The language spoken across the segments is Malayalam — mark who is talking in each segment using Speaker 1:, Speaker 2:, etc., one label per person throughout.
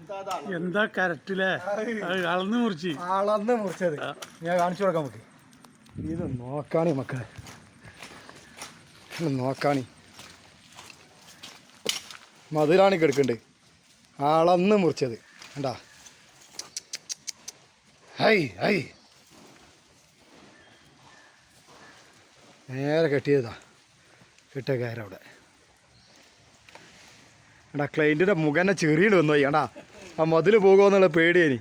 Speaker 1: എന്താ കറക്റ്റില്ലേ? അളന്ന്
Speaker 2: മുറിച്ചത് ഞാൻ കാണിച്ചു കൊടുക്കാം നമുക്ക്. ഇത് നോക്കാണി മക്കളെ, നോക്കാണി മധുരാണി കിടക്കുന്നുണ്ട്. അളന്ന് മുറിച്ചത് കണ്ടാ. ഹൈ ഹൈ നേരെ കെട്ടിയതാ, കെട്ടിയ കയറ അവിടെ. എടാ ക്ലൈൻറ്റിൻ്റെ മുഖന്നെ ചെറിയിട്ട് വന്നു പോയി. എടാ ആ മതിൽ പോകുമെന്നുള്ള പേടിയേനി.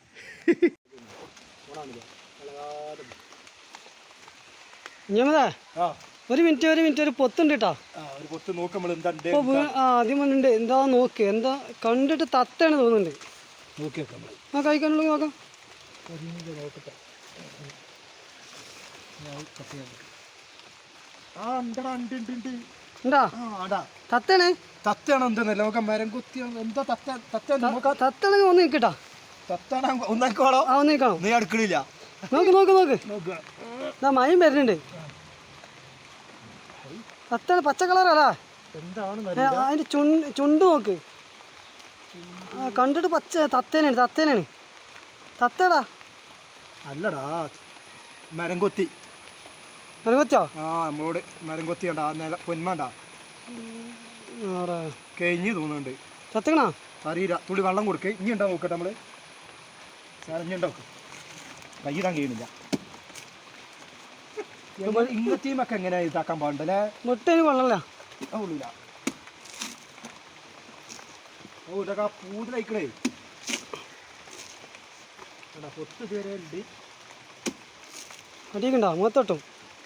Speaker 3: ഒരു മിനിറ്റ് ഒരു പൊത്തുണ്ട് കേട്ടോ. ആദ്യം വന്നിട്ടുണ്ട്. എന്താ നോക്ക്, എന്താ കണ്ടിട്ട് തത്തയാണ് തോന്നുന്നുണ്ട്. ആ കഴിക്കാനുള്ളത് നോക്കാം. തത്തയാണ്
Speaker 2: തത്തയാണോ എന്തെന്നല്ല നോക്കാം. മരം കുത്തിയാണ് എന്താ
Speaker 3: തത്താണെങ്കിൽ ഒന്ന് നിൽക്കട്ടാ.
Speaker 2: ഒന്നിക്കണോ നീ അടുക്കളില്ല.
Speaker 3: നോക്ക് മയം വരുന്നുണ്ട്. തത്താണ് പച്ച കളറല്ല. അതിന്റെ ചുണ്ട് നോക്ക്. കണ്ടിട്ട് പച്ച തത്തേനാണ്. തത്തടാ
Speaker 2: അല്ലടാ മരം കൊത്തിയോ? ആ നമ്മളോട് മരം കൊത്തി കണ്ടാ പൊന്മാണ്ടാ കഴിഞ്ഞ് തോന്നുന്നുണ്ട്.
Speaker 3: തത്തണ
Speaker 2: അറിയില്ല. തുള്ളി വെള്ളം കൊടുക്കേ. ഇനി ഉണ്ടാവും നോക്കട്ടെ നമ്മള്. ഇനി ഉണ്ടാവും. കൈയിടാൻ കഴിയുന്നില്ല. ഇങ്ങനത്തെയുമൊക്കെ എങ്ങനെ ഇതാക്കാൻ പാടുണ്ടല്ലേ?
Speaker 3: മുട്ടേന് വെള്ളമില്ല.
Speaker 2: ഉള്ളില്ല. ഓ ഇതൊക്കെ പൂതലയിക്കണേ. പൊത്ത് പേരുണ്ട്.
Speaker 3: അടിക്കണ്ടോ മുഖത്തോട്ടും.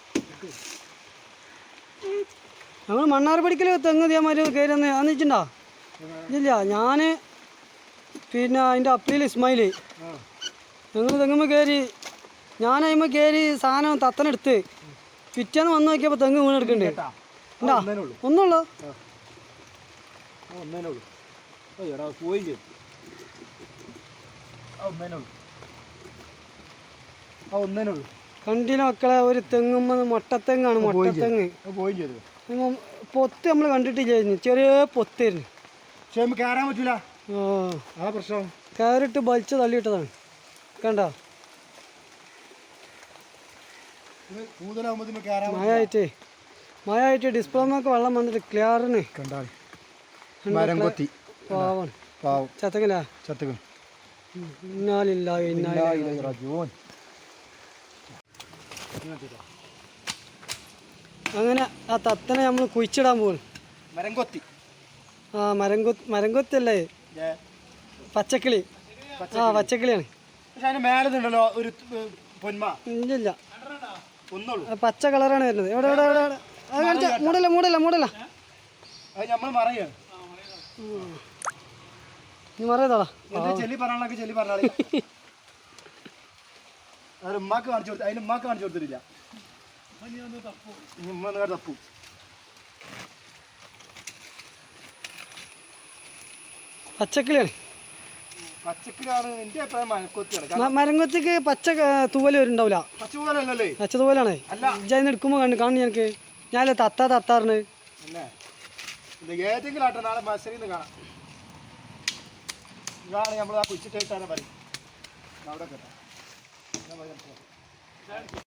Speaker 3: ഞങ്ങൾ മണ്ണാർപ്പടിക്കൽ തെങ്ങ് ദേമാര് കയറി അന്നിട്ടുണ്ടോ? ഇല്ല, ഞാൻ പിന്നെ അതിൻ്റെ അപ്പീൽ ഇസ്മായിൽ ഞങ്ങൾ തെങ്ങുമ്പോൾ കയറി. ഞാൻ അതിന്മേൽ കയറി സാധനം തത്തനെടുത്ത് പിറ്റേന്ന് വന്ന് നോക്കിയപ്പോൾ തെങ്ങ് വീണെടുക്കണ്ടേ. ഉണ്ടാ ഒന്നുള്ളൂ. കണ്ടില്ല മക്കളെ, ഒരു തെങ്ങുമ്പോ മൊട്ടത്തെങ്ങാണ്. മൊട്ടത്തെങ്ങ് പൊത്ത് നമ്മൾ കണ്ടിട്ടില്ലായിരുന്നു. ചെറിയ പൊത്തായിരുന്നു.
Speaker 2: കയറാൻ പറ്റൂല. പ്രശ്നം
Speaker 3: കയറിട്ട് വലിച്ച് തള്ളിയിട്ടതാണ്. കണ്ടോ മഴയായിട്ട് ഡിസ്പ്ലോമൊക്കെ വെള്ളം വന്നിട്ട് ക്ലിയറിന് പാവാണ്. ചത്തക്കല്ല അങ്ങനെ ആ തത്തനെ നമ്മൾ കുഴിച്ചിടാൻ പോകും. മരം കൊത്തല്ലേ, പച്ചക്കിളി. പച്ചക്കിളിയാണ്. ഇല്ല പച്ച കളറാണ് വരുന്നത്. എവിടെ മൂടല്ല നീ മറിയതാടാ. പച്ചക്കിളിയാണ്. മരംകൊത്തിക്ക് പച്ച തൂവല് വരുന്നുണ്ടാവില്ല. പച്ച തൂവലാണ്. ഇജാന്ന് എടുക്കുമ്പോ കാണുന്നു എനിക്ക്. ഞാനല്ലേ തത്താറിന്
Speaker 2: ഏതെങ്കിലും ആട്ടെ നാളെ മത്സരം കാണാം. ഇതാണ് നമ്മൾ ആ കുച്ചിട്ടാണ് പറയും അവിടെ കേട്ടോ.